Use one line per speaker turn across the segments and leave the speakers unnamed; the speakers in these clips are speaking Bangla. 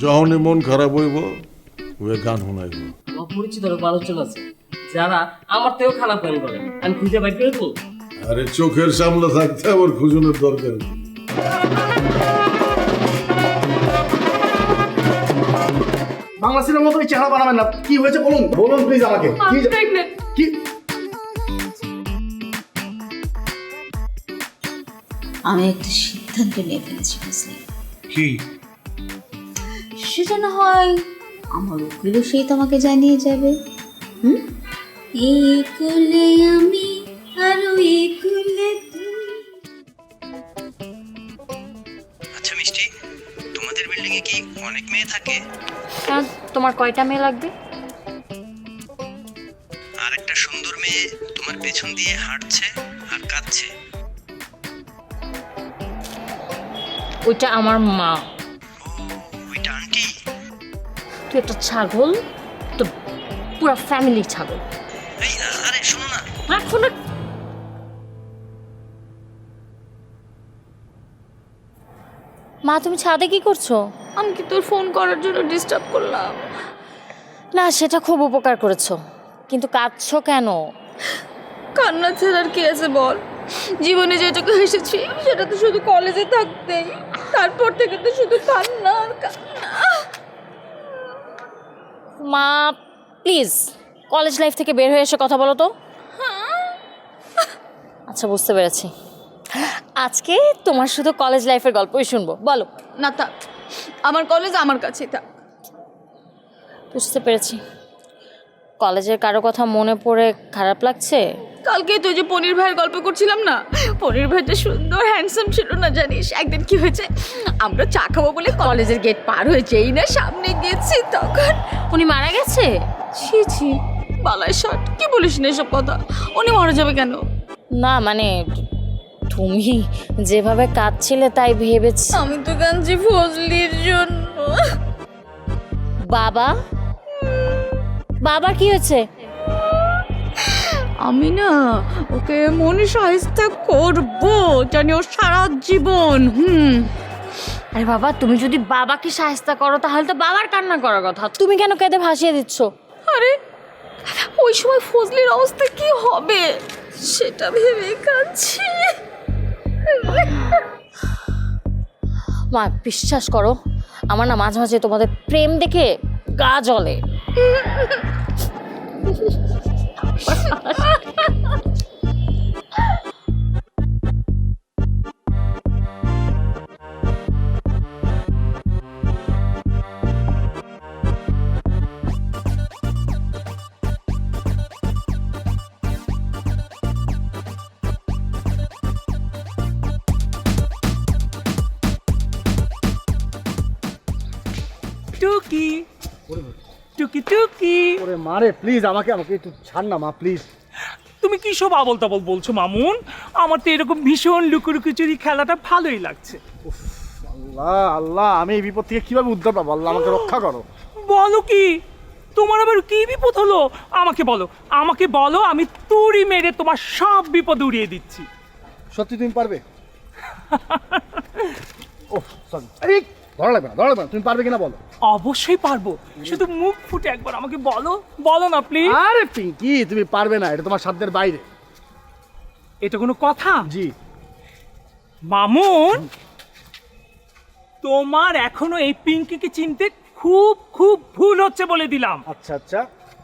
যখনই মন খারাপ হইব ওই গান শোনাইব।
আমার পরিচিত অনেক মানুষজন আছে যারা আমার থেকেও খারাপ গান করে, আমি খুঁজে বাইর করে দেবো।
আরে চোখের সামনে থাকতে আবার খুঁজনের দরকার কি?
বাংলা সিনেমার মতো চেহারা বানাবেন না। কি হয়েছে বলুন বলুন প্লিজ আমাকে। কি
আমি একটা সিদ্ধান্ত নিয়ে ফেলেছি বুঝলি।
কি
সেটা না হয় আমার উকিলও সেই তোমাকে জানিয়ে যাবে। এই কুলে আমি আরো এই কুলে তুমি।
আচ্ছা মিষ্টি, তোমাদের বিল্ডিং এ কি অনেক মেয়ে থাকে?
হ্যাঁ, তোমার কয়টা মেয়ে লাগবে?
আর একটা সুন্দর মেয়ে তোমার পেছন দিয়ে হাঁটছে আর কাঁদছে।
ওইটা আমার মা।
ও, ওইটা আন্টি?
তুই একটা ছাগল, তো পুরো ফ্যামিলি ছাগল।
এই আরে শোনো না,
এখন মা, তুমি ছাদে কি করছো?
আমি কি তোর ফোন করার জন্য ডিস্টার্ব করলাম?
না, সেটা খুব উপকার করেছো, কিন্তু কাঁদছো কেন?
কান্না ছাড়ার কি আছে বল? জীবনে যেটুকু হেসেছি সেটা তো শুধু কলেজে থাকতেই, তারপর থেকে তো শুধু কান্না আর কান্না।
মা প্লিজ কলেজ লাইফ থেকে বের হয়ে এসে কথা বলো তো। আচ্ছা, বুঝতে পেরেছি, আজকে তোমার শুধু কলেজ লাইফের গল্পই শুনবো, বলো।
না থাক, আমার কলেজ আমার কাছেই থাক।
বুঝতে পেরেছি, কলেজের কারো কথা মনে পড়ে খারাপ লাগছে।
কালকে তুই যে পনির ভাইয়ের গল্প করছিলাম না, পনির ভাইটা সুন্দর হ্যান্ডসাম ছিল না জানিস? একদিন কি হয়েছে, আমরা চা খাবো বলে কলেজের গেট পার হয়েছেই না সামনে গেছি, তখন
উনি মারা গেছে?
ছি ছি, বালাই শট, কি বলিস না এসব কথা? উনি মারা যাবে কেন?
না মানে তুমি যেভাবে কাঁদছিলে তাই ভেবেছি।
আমি তো কাঁদছি ফজলির জন্য।
বাবা, বাবার কি হয়েছে?
আমি না ওকে মনে সাহিস্তা করবো, জানি ও সারা জীবন।
আরে বাবা, তুমি যদি বাবাকে সাহায্য করো তাহলে তো বাবার কান্না করার কথা, তুমি কেন কেঁদে ভাসিয়ে দিচ্ছ?
আরে ওই সময় ফজলির অবস্থা কি হবে সেটা ভেবে কাঁদছি।
মা বিশ্বাস করো, আমার না মাঝে মাঝে তোমাদের প্রেম দেখে গা জ্বলে।
টুকি টুকি টুকি,
ওরে মারে প্লিজ আমাকে আমাকে একটু ছাড় না মা প্লিজ।
তুমি কি সব আবল তাবল বলছো মামুন? আমার তো এরকম ভীষণ লুকোচুরি খেলাটা ভালোই লাগছে।
আল্লাহ আল্লাহ, আমি এই বিপদ থেকে কিভাবে উদ্ধার পাবো? আল্লাহ আমাকে রক্ষা করো।
বলো কি, তোমার আবার কি বিপদ হলো? আমাকে বলো, আমাকে বলো, আমি তুড়ি মেরে তোমার সব বিপদ উড়িয়ে দিচ্ছি।
সত্যি তুমি পারবে? ওহ সরি, আরে ধরা লাগবে না, ধরা লাগবে না, তুমি পারবে কিনা বলো।
অবশ্যই পারবো, শুধু মুখ ফুটে একবার আমাকে বলো, বলো না প্লিজ।
আরে পিঙ্কি, তুমি পারবে না, এটা তোমার সাধ্যের বাইরে।
এটা কোনো কথা?
জি
মামুন, তোমার এখনো এই পিঙ্কিকে চিনতে খুব খুব ভুল হচ্ছে বলে দিলাম।
আচ্ছা আচ্ছা,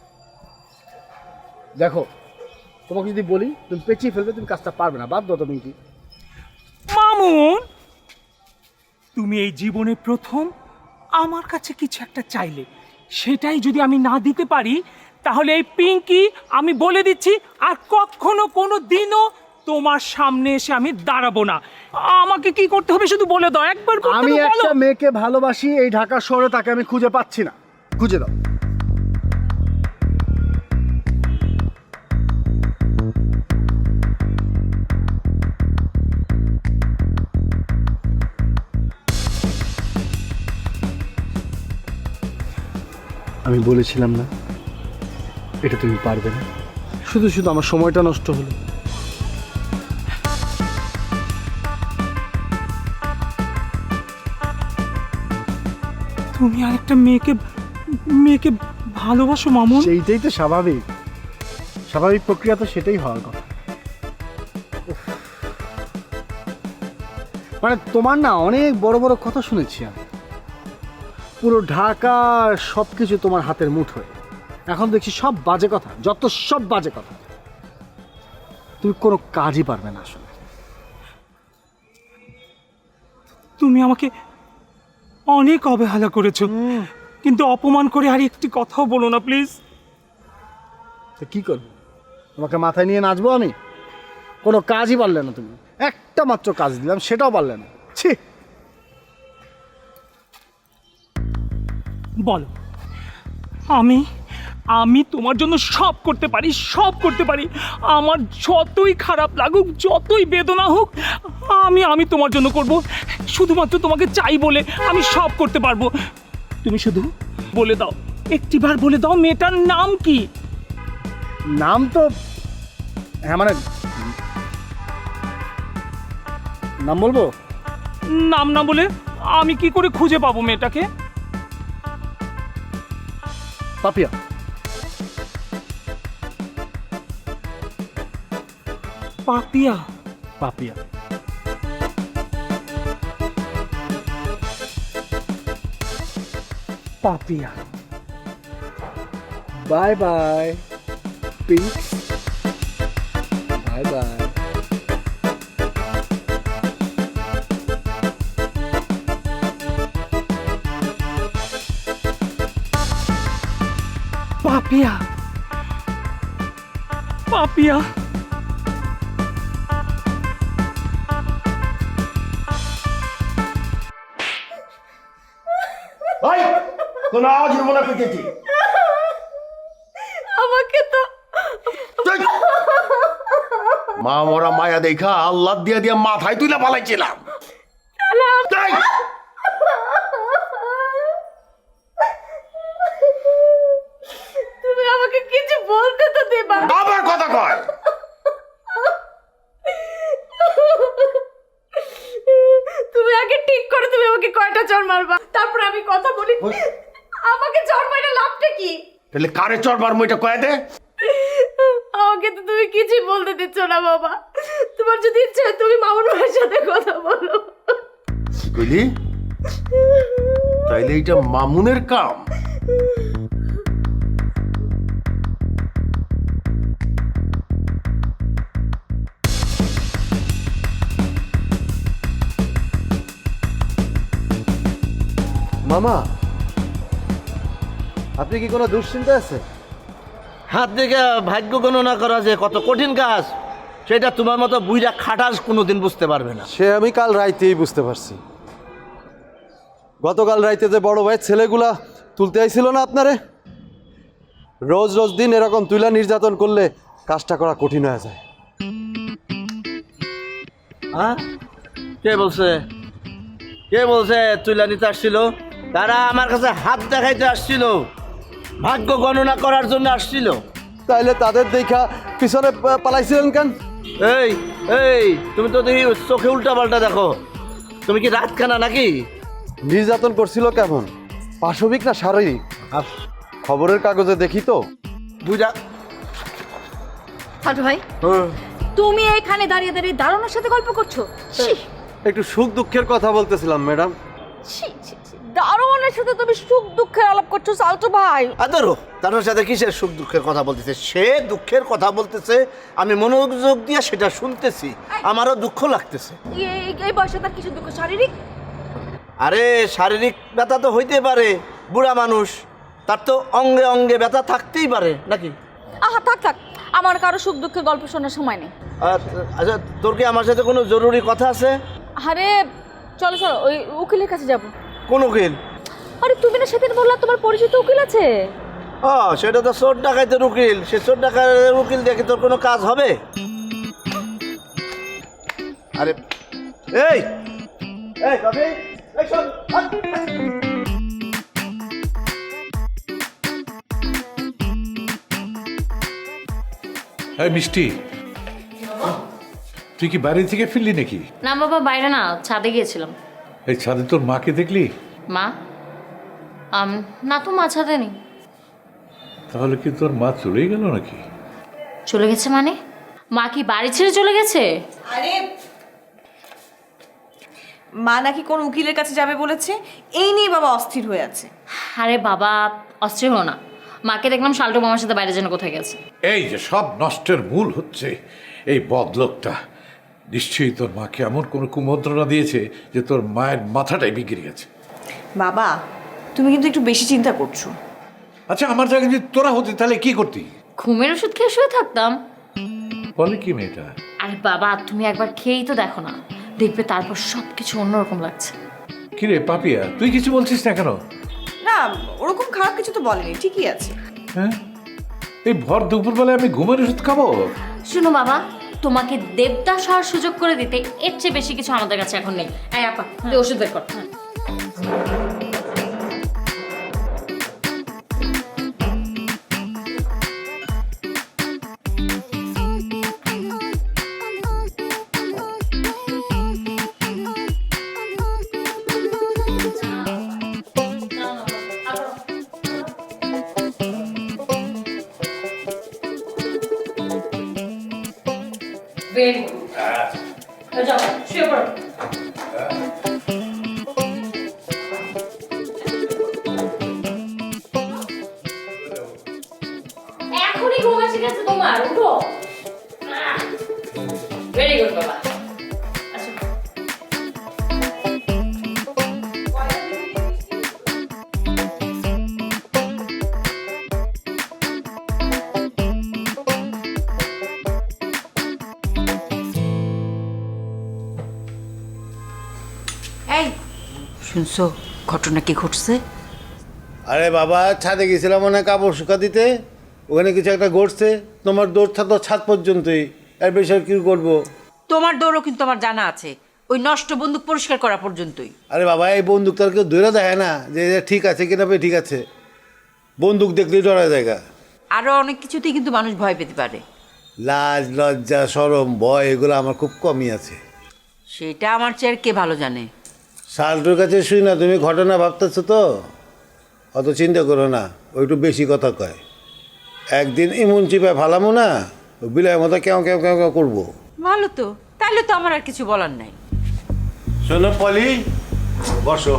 দেখো তোমাকে যদি বলি তুমি পেঁচিয়ে ফেলবে, তুমি কাজটা পারবে না, বাধ্য তো পিঙ্কি।
মামুন, তুমি এই জীবনে প্রথম আমার কাছে কিছু একটা চাইলে, সেটাই যদি আমি না দিতে পারি তাহলে এই পিঙ্কি, আমি বলে দিচ্ছি, আর কখনো কোনো দিনও তোমার সামনে এসে আমি দাঁড়াবো না। আমাকে কি করতে হবে শুধু বলে দাও, একবার করতে
আমি
হবে, বলো।
একটা মেয়েকে ভালোবাসি, এই ঢাকা শহরে তাকে আমি খুঁজে পাচ্ছি না, খুঁজে দাও। আমি বলেছিলাম না এটা তুমি পারবে না, শুধু শুধু আমার সময়টা নষ্ট হলো।
তুমি আর একটা মেয়েকে ভালোবাসো মামুন?
সেইটাই তো স্বাভাবিক, স্বাভাবিক প্রক্রিয়া তো সেটাই হওয়ার কথা। উফ। মানে তোমার না অনেক বড় বড় কথা শুনেছি আমি, পুরো ঢাকা সব কিছু তোমার হাতের মুঠোয়। এখন দেখছি সব বাজে কথা, যত সব বাজে কথা। তুমি কোনো কাজই পারবে না আসলে।
তুমি আমাকে অনেক অবহেলা করেছো, কিন্তু অপমান করে আর একটি কথাও বলো না প্লিজ।
তো কি করবো, তোমাকে মাথায় নিয়ে নাচবো আমি? কোনো কাজই পারলে না তুমি, একটা মাত্র কাজ দিলাম সেটাও পারলে না। ছি।
বলো, আমি তোমার জন্য সব করতে পারি, সব করতে পারি। আমার যতই খারাপ লাগুক, যতই বেদনা হোক, আমি তোমার জন্য করব। শুধুমাত্র তোমাকে চাই বলে আমি সব করতে পারবো। তুমি শুধু বলে দাও, একটিবার বলে দাও, মেয়েটার নাম কি?
নাম তো হ্যাঁ, মানে নাম বলবো?
নাম না বলে আমি কি করে খুঁজে পাবো মেয়েটাকে?
Papiya.
Papiya?
Papiya.
Papiya.
Bye bye Pinks, bye bye.
Papiya, Papiya.
ভাই কোন আওয়াজ মনে পেয়েছি?
আমাকে তো
মা মরা মায়া দেখা আল্লাহ দিয়া দিয়া মাথায় তুলে পালাইছিলাম। তাই
তুমি আমাকে কিছু বলতে তো দেবা।
আবার কথা কয়।
তুমি আগে ঠিক করে তুমি আমাকে কয়টা চড় মারবা, তারপর আমি কথা বলি। আমাকে চড় মারা লাভটা কি?
তাহলে কারে চড়বার মইটা কয়ে দে।
আমাকে তো তুমি কিছুই বলতে দিচ্ছ না বাবা। তোমার যদি ইচ্ছে হয় তুমি মামুন ভাইয়ের সাথে কথা বলো।
কি কইলি? তাইলে এটা মামুনের কাম।
মামা, আপনি কি কোনো দুশ্চিন্তা আছে?
হাত থেকে ভাগ্য গণনা করা যে কত কঠিন কাজ, সেটা তোমার মতো বুইরা খাটাস কোনোদিন বুঝতে পারবে না।
সে আমি কাল রাইতেই বুঝতে পারছি। গতকাল রাইতে যে বড় ভাই ছেলেগুলা তুলতে আইছিল না আপনারে, রোজ রোজ দিন এরকম তুলা নির্যাতন করলে কাজটা করা কঠিন হয়ে যায়।
হ্যাঁ, কে বলছে? কে বলছে তুইলা নিতে আসছিল? তারা আমার কাছে হাত দেখাইতে আসছিল, ভাগ্য গণনা করার জন্য আসছিল।
তাইলে তাদের দেখা পিছনে পালাইছিলেন কেন?
এই এই তুমি তো দেখি চোখে উল্টা পাল্টা দেখো। তুমি কি রাতখানা নাকি?
নির্যাতন করছিল কেমন, পাশবিক না শারীরিক? খবরের কাগজে দেখি তো।
বুঝা
হাঁটু ভাই, তুমি এইখানে দাঁড়িয়ে দাঁড়িয়ে দারুণের সাথে গল্প করছো?
একটু সুখ দুঃখের কথা বলতেছিলাম ম্যাডাম।
দারুণের সাথে তুমি সুখ দুঃখের আলাপ করছো সালটু ভাই?
আদরো তার সাথে কিসের সুখ দুঃখের কথা বলতেছে? সে দুঃখের কথা বলতেছে, আমি মনোযোগ দিয়ে সেটা শুনতেছি, আমারও দুঃখ লাগতেছে।
এই বয়সে তার কিছু দুঃখ শারীরিক?
আরে শারীরিক ব্যথা তো হইতে পারে, বুড়া মানুষ, তার তো অঙ্গে অঙ্গে ব্যথা থাকতেই পারে নাকি?
আহা থাক থাক, আমার কারো সুখ দুঃখের গল্প শোনার সময় নেই।
আচ্ছা, তোর কি আমার সাথে কোনো জরুরি কথা আছে?
আরে চলো চলো, ওই উকিলের কাছে যাবো।
কোন উকিল?
আরে তুমি না সেদিন বললা তোমার পরিচিত উকিল আছে।
সেটা তো চোর ডাকাইতের উকিল। সে চোর ডাকাইতের উকিল দেখে তোর কোনো কাজ হবে? আরে এই এই কবি, এই শোন।
এই মিষ্টি, তুই কি বাড়ি থেকে ফিরলি নাকি?
না বাবা, বাইরে না, ছাদে গিয়েছিলাম।
এই ছাদে তোর মাকে দেখলি?
মা? না তো মাছ হাতে নেই।
তাহলে কি তোর মা চলেই গেল নাকি?
চলে গেছে মানে? মা কি বাড়ি ছেড়ে চলে গেছে?
আরে মা নাকি কোন উকিলের কাছে যাবে বলেছে, এই নিয়ে বাবা অস্থির হয়ে আছে।
আরে বাবা অস্থির হো না, মাকে দেখলাম শাল্টু মামার সাথে বাইরে যেন কোথায় গেছে।
এই যে সব নষ্টের মূল হচ্ছে এই বদলোকটা। নিশ্চয়ই তোর মাকে এমন কোনো কুমন্ত্রণা দিয়েছে যে তোর মায়ের মাথাটাই বিগড়ে গেছে।
বাবা তুমি কিন্তু একটু বেশি চিন্তা করছো।
আচ্ছা আমার জায়গায় যদি তোরা হতি তাহলে কি করতি?
ঘুমের ওষুধ খেয়ে শুয়ে থাকতাম।
বলে কি মেয়েটা?
আরে বাবা তুমি একবার খেয়েই তো দেখো না, দেখবে তারপর সব কিছু অন্যরকম লাগছে।
কিরে পাপিয়া, তুই কিছু বলছিস না কেন?
না ওরকম খারাপ কিছু তো বলেনি, ঠিকই আছে।
হ্যাঁ, এই ভর দুপুরবেলায় আমি ঘুমের ওষুধ খাবো?
শুনো বাবা, তোমাকে দেবদাস হওয়ার সুযোগ করে দিতে এর চেয়ে বেশি কিছু আমাদের কাছে এখন নেই। এই আপা তুই ওষুধ বের কর। Very good. যাও শুয়ে পড়ো। এখনই ঘুম এসে গেছে তোমার, উঠো। ভেরি গুড বাবা। আচ্ছা
এই শুনছো ঘটনা কি ঘটছে?
আরে বাবা ছাদে গেছিলাম মনে হয় কাপড় শুকা দিতে, ওখানে কিছু একটা ঘটছে। তোমার দৌড় থাকতো ছাদ পর্যন্তই, এর বেশি আর কি করবো?
তোমার দৌড়ও কিন্তু আমার জানা আছে, ওই নষ্ট বন্দুক পরিষ্কার করা পর্যন্তই।
আরে বাবা এই বন্দুক তার কেউ ধরে দেখে না যে এটা ঠিক আছে কিনা, ঠিক আছে। বন্দুক দেখলেই ডরা জায়গা।
আরো অনেক কিছুতেই কিন্তু মানুষ ভয় পেতে পারে।
লাজ লজ্জা শরম ভয় এগুলো আমার খুব কমই আছে।
সেটা আমার চেয়ে কে ভালো জানে।
শালটুর কাছে শুই না, তুমি ঘটনা ভাবতেছো তো, অত চিন্তা করো না। ও একটু বেশি কথা কয়। একদিন ইমুন চিপায় ফালামো না, বিলয়ের মতো কেউ কেউ কেউ কেউ করবো।
ভালো তো, তাহলে তো আমার আর কিছু বলার নাই।
শোনো পলি, বসো।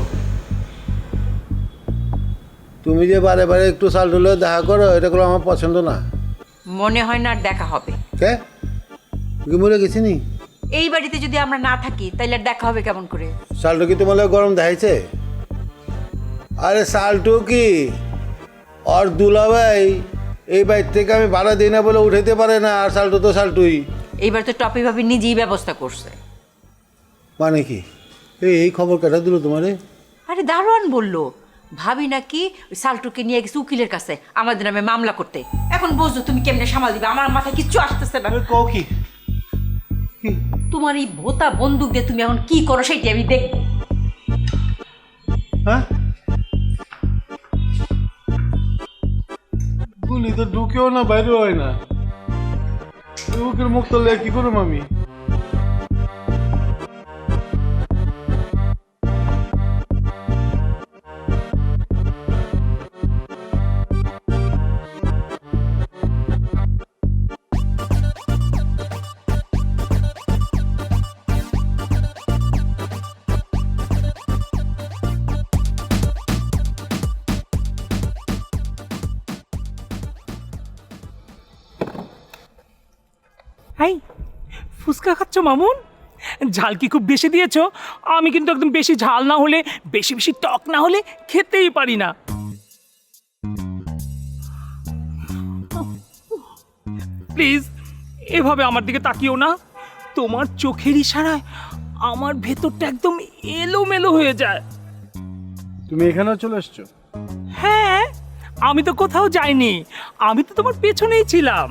তুমি যে বারে বারে একটু শালটুলে দেখা করো, এটা করে আমার পছন্দ না।
মনে হয় না আর দেখা হবে।
কে তুই মরে গেছি নি?
এই বাড়িতে যদি আমরা না থাকি তাইলে আর দেখা হবে কেমন করে?
শালটু কি তোমার লাগে গরম দেখাইছে? আরে শালটু কি আর দুলাভাই এই বাড়ি থেকে আমি ভাড়া দিই না বলে উঠাইতে পারে না, আর শালটু তো শালটুই।
এইবার তো টপি ভাবি নিজেই ব্যবস্থা করছে।
মানে কি এই খবর কেটা দিল তোমারে?
আরে দারোয়ান বললো ভাবি নাকি ওই সালটুকে নিয়ে গেছে উকিলের কাছে আমাদের নামে মামলা করতে। এখন বুঝছো তুমি কেমনে সামাল দিবে? আমার মাথায় কিচ্ছু আসতেছে না।
কও কি?
তোমার এই ভোতা বন্দুক দিয়ে তুমি এখন কি করো সেটি আমি দেখব।
হ্যাঁ গুলি তো ঢুকেও না বাইরে হয় না, উকিল মুখ তো কি করুম আমি?
এই ফুচকা খাচ্ছ মামুন? ঝাল কি খুব বেশি দিয়েছো? আমি কিন্তু একদম বেশি ঝাল না হলে, বেশি বেশি টক না হলে খেতেই পারি না। প্লিজ এভাবে আমার দিকে তাকিও না। তোমার চোখের ইশারায় আমার ভেতরটা একদম এলোমেলো হয়ে যায়।
তুমি এখানেও চলে এসছো?
হ্যাঁ, আমি তো কোথাও যাইনি, আমি তো তোমার পেছনেই ছিলাম।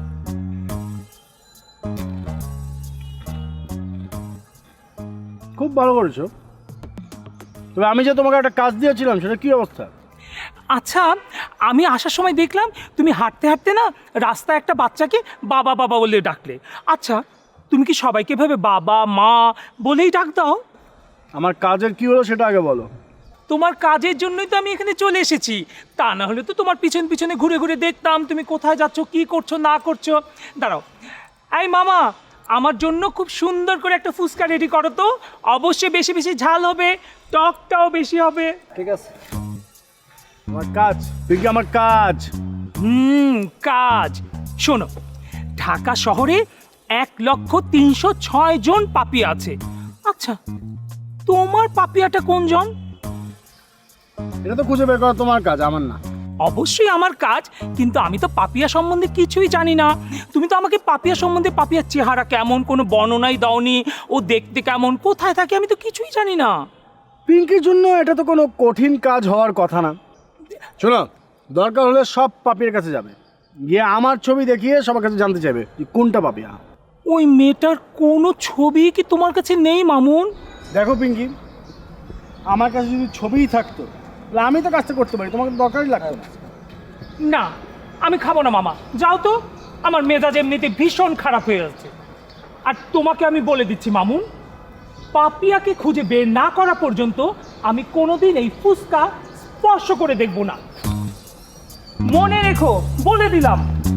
খুব ভালো করেছো। তবে আমি যে তোমাকে একটা কাজ দিয়েছিলাম সেটা কি অবস্থা?
আচ্ছা, আমি আসার সময় দেখলাম তুমি হাঁটতে হাঁটতে না রাস্তায় একটা বাচ্চাকে বাবা বাবা বলে ডাকলে। আচ্ছা, তুমি কি সবাইকে ভাবে বাবা মা বলেই ডাক দাও?
আমার কাজের কি হলো সেটা আগে বলো।
তোমার কাজের জন্যই তো আমি এখানে চলে এসেছি। তা না হলে তো তোমার পিছন পিছনে ঘুরে ঘুরে দেখতাম তুমি কোথায় যাচ্ছ, কি করছো না করছো। দাঁড়াও, এই মামা, আমার জন্য খুব সুন্দর করে একটা ফুচকা রেডি করো তো। অবশ্যই বেশি বেশি ঝাল হবে, টকটাও বেশি হবে।
ঠিক আছে, আমার কাজ পিঙ্কি, আমার কাজ।
কাজ শোনো, ঢাকা শহরে 1,306 জন পাপিয়া আছে। আচ্ছা, তোমার পাপিয়াটা কোন জন?
এটা তো খুঁজে বের করা তোমার কাজ, আমার না।
অবশ্যই আমার কাজ, কিন্তু আমি তো পাপিয়া সম্বন্ধে কিছুই জানি না। তুমি তো আমাকে পাপিয়া সম্বন্ধে, পাপিয়ার চেহারা কেমন, কোনো বর্ণনাই দাওনি, ও দেখতে কেমন, কোথায় থাকে, আমি তো কিছুই জানি না।
পিঙ্কির জন্য এটা তো কোনো কঠিন কাজ হওয়ার কথা না। শোনো, দরকার হলে সব পাপিয়ার কাছে যাবে, গিয়ে আমার ছবি দেখিয়ে সবার কাছে জানতে চাইবে যে কোনটা পাপিয়া।
ওই মেয়েটার কোনো ছবি কি তোমার কাছে নেই মামুন?
দেখো পিঙ্কি, আমার কাছে যদি ছবিই থাকতো তাহলে আমি তো কাজটা করতে পারি, তোমাকে দরকারই লাগতো না।
না, আমি খাবো না মামা, যাও তো। আমার মেজাজ এমনিতে ভীষণ খারাপ হয়ে যাচ্ছে। আর তোমাকে আমি বলে দিচ্ছি মামুন, পাপিয়াকে খুঁজে বের না করা পর্যন্ত আমি কোনোদিন এই ফুচকা স্পর্শ করে দেখব না। মনে রেখো, বলে দিলাম।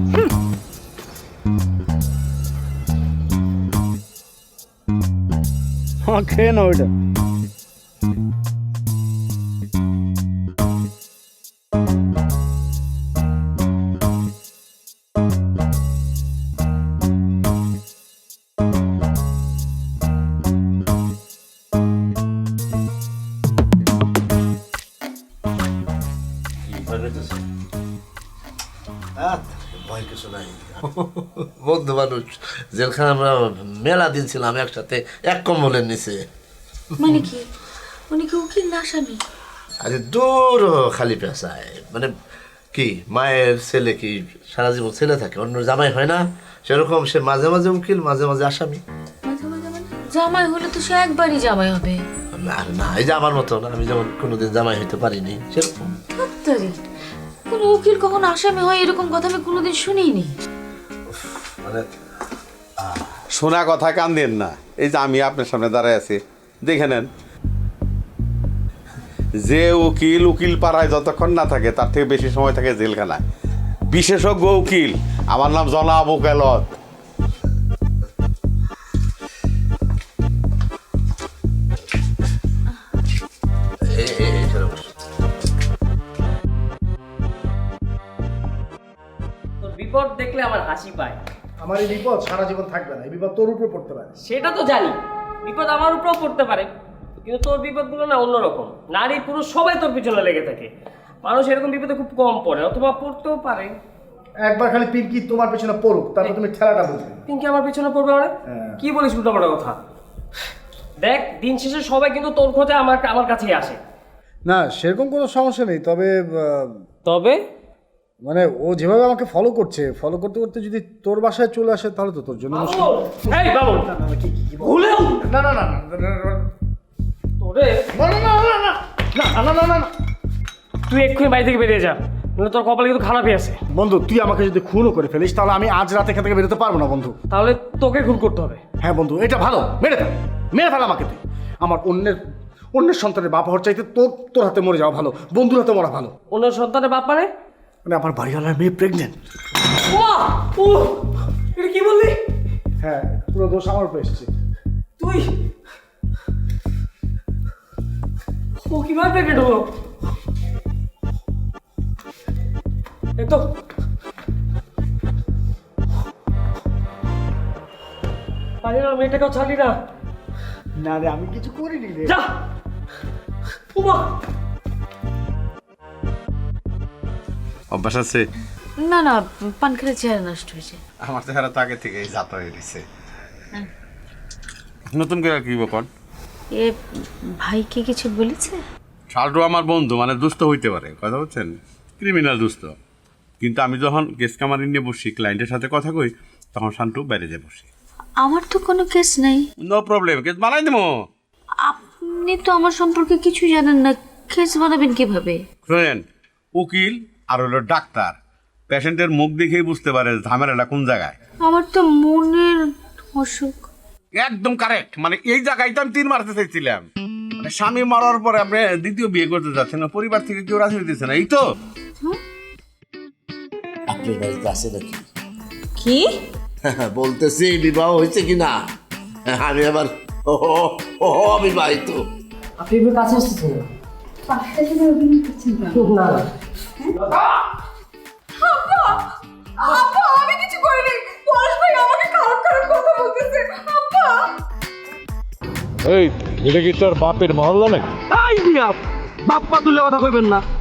খেয়ে নাও এটা।
ভয় কিছু নাই, বন্ধু মানুষ। জেলখানে আমরা মেলা দিন ছিলাম একসাথে, এক কম্বলের নিচে।
মানে কি, উনি কি উকিল না আসামি?
আরে দূর, খালি পেশায়। মানে কি, মায়ের ছেলে কি সারা জীবন ছেলে থাকে, অন্য জামাই হয় না, সেরকম সে মাঝে মাঝে উকিল, মাঝে মাঝে আসামি।
জামাই হলে তো সে একবারই জামাই হবে।
আর না, এই যে আমার মতো না, আমি যেমন কোনোদিন জামাই হইতে পারিনি সেরকম।
কোন উকিল কখন আসামি হয় এরকম কথা আমি কোনোদিন শুনিনি।
মানে
শোনা কথা কান দেন না। এই যে আমি আপনার সামনে দাঁড়ায় আছি, দেখে নেন, যে উকিল পাড়ায় যতক্ষণ না থাকে তার থেকে বেশি সময় থাকে জেলখানায়। বিশেষজ্ঞ উকিল, আমার নাম জনাব ওকালত।
তোর বিপদ দেখলে আমার হাসি পায়।
আমার এই বিপদ সারা জীবন থাকবে না, এই বিপদ তোর উপরে পড়তে পারে।
সেটা তো জানি, বিপদ আমার উপরেও পড়তে পারে, কিন্তু তোর বিপদগুলো না অন্যরকম। নারী পুরুষ সবাই তোর পিছনে লেগে থাকে। মানুষ এরকম বিপদে খুব কম পড়ে, অথবা পড়তেও পারে।
একবার খালি পিঙ্কি তোমার পেছনে পড়ুক, তারপর তুমি খেলাটা বুঝবে।
পিঙ্কি আমার পিছনে পড়বে মানে? কি বলিস উল্টাপাল্টা কথা? দেখ, দিন শেষে সবাই কিন্তু তোর খোঁজে আমার কাছেই আসে।
না, সেরকম কোনো সমস্যা নেই, তবে
তবে
মানে ও যেভাবে আমাকে ফলো করছে, ফলো করতে করতে যদি তোর বাসায় চলে আসে তাহলে তো তোর জন্য মুশকিল।
এই বাবুল, ভুলেও
না না না
তোরে
না,
তুই এক্ষুনি বাড়ি থেকে বেরিয়ে যা, নাহলে তোর কপালে কিন্তু খারাপই আছে।
বন্ধু, তুই আমাকে যদি খুনও করে ফেলিস তাহলে আমি আজ রাতে এখান থেকে বেরোতে পারবো না বন্ধু।
তাহলে তোকে খুন করতে হবে।
হ্যাঁ বন্ধু, এটা ভালো, মেরে ফেল আমাকে তুই। আমার অন্যের সন্তানের বাপ হওয়ার চাইতে তোর হাতে মরে যাওয়া ভালো, বন্ধুর হাতে মরা ভালো।
অন্যের সন্তানের বাপ মানে
আমার বাড়িওয়ালার মেয়ে প্রেগনেন্ট।
এটা কি বললি?
হ্যাঁ, পুরো দোষ আমার উপরে এসেছে।
তুই ও কিভাবে প্রেগনেন্ট হলো? একদম মেয়েটাকেও ছাড়লি না?
না রে, আমি কিছু করিনি রে।
যা উমা।
অভ্যাস আছে?
না না, পান খেলে চেহারা নষ্ট হয়েছে।
আমার চেহারা তো আগে থেকে জাত হয়ে গেছে। নতুন করে কি বকন?
এ ভাইকে কিছু বলেছে?
শালটু আমার বন্ধু, মানে দুস্থ হইতে পারে, কথা বলছেন, ক্রিমিনাল দুস্থ। কিন্তু আমি যখন কেস কামারি নিয়ে বসি, ক্লায়েন্টের সাথে কথা কই, তখন শান্টু বাইরে যে বসি।
আমার তো কোনো কেস নাই।
নো প্রবলেম, কেস বানাই দেবো।
আপনি তো আমার সম্পর্কে কিছু জানেন না, কেস বানাবেন কিভাবে?
শোনেন, উকিল আর হলো ডাক্তার পেশেন্টের মুখ দেখেই বুঝতে পারে ঝামেলাটা কোন জায়গায়।
আমার তো মনের অসুখ।
একদম কারেক্ট, মানে এই জায়গায় তো আমি 3 মারতে চাইছিলাম। স্বামী মারার পরে আপনি দ্বিতীয় বিয়ে করতে যাচ্ছেন না, পরিবার থেকে কেউ রাজি হইতেছে না, এই তো?
আপনার বাড়িতে আছে নাকি?
কি
বলতেছি বিবাহ হয়েছে কিনা? আমি আবার অবিবাহিত।
আপনি এবার কাছে আসতেছেন না? না না
আমি কিছু করিনি, পলাশ ভাই আমাকে খারাপ খারাপ কথা বলতেছে। আব্বা
এই এটা কি তোর বাপের মহল্লা নাকি?
বাপ্পা তুলে কথা কইবেন না।